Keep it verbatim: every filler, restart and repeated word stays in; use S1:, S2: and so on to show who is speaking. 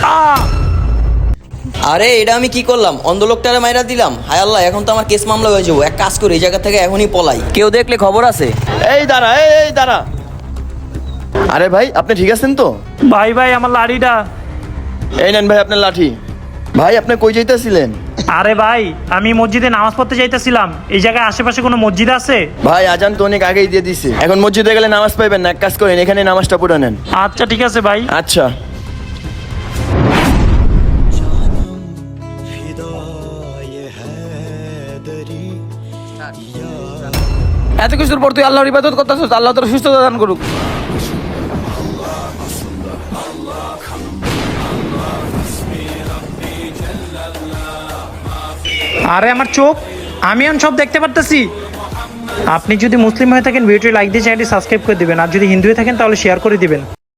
S1: আরে এটা আমি কি করলাম? অন্ধ লোকটারে মাইরা দিলাম। হায় আল্লাহ, এখন তো আমার কেস মামলা হয়ে যাবো। এক কাজ করি, এই জায়গা থেকে এখনই পলাই। কেউ দেখলে খবর আছে।
S2: এই দাঁড়া, এই এই দাঁড়া। আরে ভাই, আপনি ঠিক আছেন তো?
S3: ভাই ভাই আমার লাঠিটা।
S2: এই নেন ভাই আপনার লাঠি। ভাই আপনি কই যাইতেছিলেন?
S3: আরে ভাই আমি মসজিদে নামাজ পড়তে যাইতেছিলাম। এই জায়গায় আশেপাশে কোনো মসজিদ আছে?
S2: ভাই আজান তো অনেক আগেই দিয়ে দিছে, এখন মসজিদে গেলে নামাজ পাইবেন না। এক কাজ করেন, এখানে নামাজটা পড়ে নেন।
S3: আচ্ছা ঠিক আছে ভাই।
S2: আচ্ছা।
S4: এত কিছুর পর তুই আল্লাহর ইবাদত করতেছিস, আল্লাহ তোর সুস্থতা দান করুক।
S3: আরে আমার চোখ, আমি এখন সব দেখতে পারতেছি। আপনি যদি মুসলিম হয়ে থাকেন ভিডিওটি লাইক দিয়ে চ্যানেলটি সাবস্ক্রাইব করে দিবেন, আর যদি হিন্দু হয়ে থাকেন তাহলে শেয়ার করে দিবেন।